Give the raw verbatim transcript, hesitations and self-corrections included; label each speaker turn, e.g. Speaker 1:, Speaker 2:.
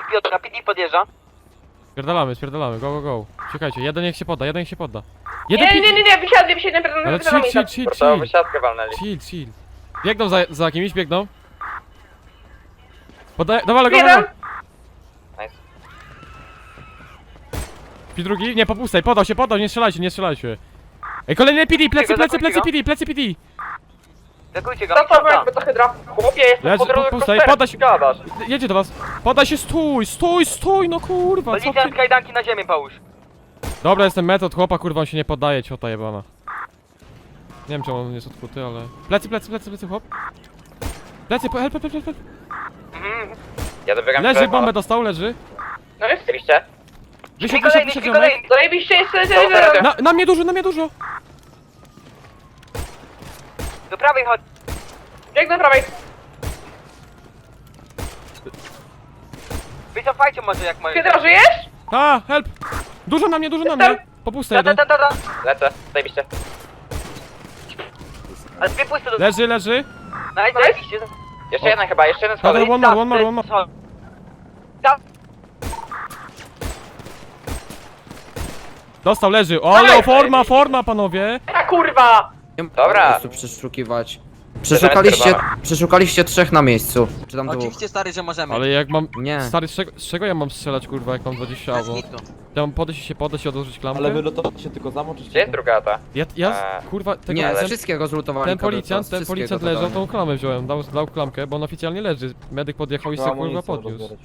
Speaker 1: Piotra, P D podjeżdża.
Speaker 2: Spierdalamy, spierdalamy, go, go, go. Czekajcie, jeden niech się podda, jeden niech się podda.
Speaker 3: Nie,
Speaker 2: Jeden
Speaker 3: nie, nie, nie, nie, wysiadłem, wysiadłem,
Speaker 2: Ale
Speaker 3: wysiadłem,
Speaker 2: chill,
Speaker 3: wysiadłem.
Speaker 2: chill, chill,
Speaker 4: Portową
Speaker 2: chill.
Speaker 4: wysiadkę walnęli.
Speaker 2: Chill, chill. Biegną za, za kimś, biegną. Podaj, dawaj, go,
Speaker 3: Jeden.
Speaker 2: go.
Speaker 4: Nice.
Speaker 2: I drugi, nie, popustaj, podał się, podał, nie strzelajcie, nie strzelajcie. Ej, kolejny P D, plecy, plecy, plecy P D, plecy P D.
Speaker 1: Zakujcie go.
Speaker 3: Zostaw
Speaker 1: Dobra.
Speaker 3: jakby to hydra.
Speaker 4: Chłopie, jestem
Speaker 2: Leży,
Speaker 4: po drodze
Speaker 2: pustaj,
Speaker 4: kosterem,
Speaker 2: podaj się.
Speaker 4: gadasz.
Speaker 2: Jedzie do was. Podaj się, stój, stój, stój, no kurwa, co ty?
Speaker 1: Policjant, kajdanki na ziemię, połóż.
Speaker 2: Dobra, jestem metod, chłopa, kurwa, on się nie poddaje, ciota jebana. Nie wiem, czemu on jest odkuty, ale... Plecy, plecy, plecy, plecy, chłop. Plecy, help, help, help, help.
Speaker 1: Mhm.
Speaker 4: Ja dobiegam
Speaker 2: Leży, bombę dostał, leży.
Speaker 3: No jest.
Speaker 4: Oczywiście.
Speaker 2: Wysiadł,
Speaker 1: Śpi
Speaker 2: wysiadł,
Speaker 1: kolejny,
Speaker 2: wysiadł,
Speaker 1: śpi
Speaker 2: ziomek.
Speaker 1: kolejny.
Speaker 3: Zajebiście jeszcze,
Speaker 4: Dobra,
Speaker 3: jeszcze,
Speaker 2: Na, na mnie dużo, na mnie dużo.
Speaker 1: Do prawej chodź.
Speaker 3: Biegnę prawej.
Speaker 1: Wycofajcie może jak możecie.
Speaker 3: Hydra, żyjesz?
Speaker 2: A, help. Dużo na mnie, dużo na mnie. Popusta
Speaker 1: Ta, ta,
Speaker 2: jeden.
Speaker 1: ta, ta, ta.
Speaker 4: Lecę, zajebiście.
Speaker 1: Ale dwie puste do...
Speaker 2: Leży, leży.
Speaker 1: Nice, zajebiście.
Speaker 4: Jeszcze jeden chyba, jeszcze jeden
Speaker 2: Dobra,
Speaker 4: schodek.
Speaker 2: one more, one more, one more.
Speaker 1: Tam.
Speaker 2: Dostał, leży. O, forma, forma, panowie.
Speaker 3: A kurwa!
Speaker 5: Nie ma
Speaker 4: Dobra.
Speaker 5: po prostu przeszukiwać. Przeszukaliście, przeszukaliście trzech na miejscu. Czy tam dwóch?
Speaker 6: Oczywiście stary, że możemy.
Speaker 2: Ale jak mam...
Speaker 5: Nie.
Speaker 2: Stary, z czego, z czego ja mam strzelać, kurwa, jak mam dwadzieścia
Speaker 6: Bez
Speaker 2: albo...
Speaker 6: kitu.
Speaker 2: Ja mam podejść i się podejść i odłożyć klamkę?
Speaker 7: Ale wylutować się tylko zamoczyć.
Speaker 4: Gdzie jest druga ta?
Speaker 2: Ja, ja,
Speaker 4: Eee,
Speaker 2: kurwa, tego...
Speaker 5: Nie,
Speaker 2: ten,
Speaker 5: wszystkiego zlutowali.
Speaker 2: ten
Speaker 5: kadet,
Speaker 2: policjant, ten
Speaker 5: wszystkiego
Speaker 2: policjant
Speaker 5: totalnie.
Speaker 2: leżał, tą klamę wziąłem, dał, dał klamkę, bo on oficjalnie leży. Medyk podjechał i sobie kurwa podniósł.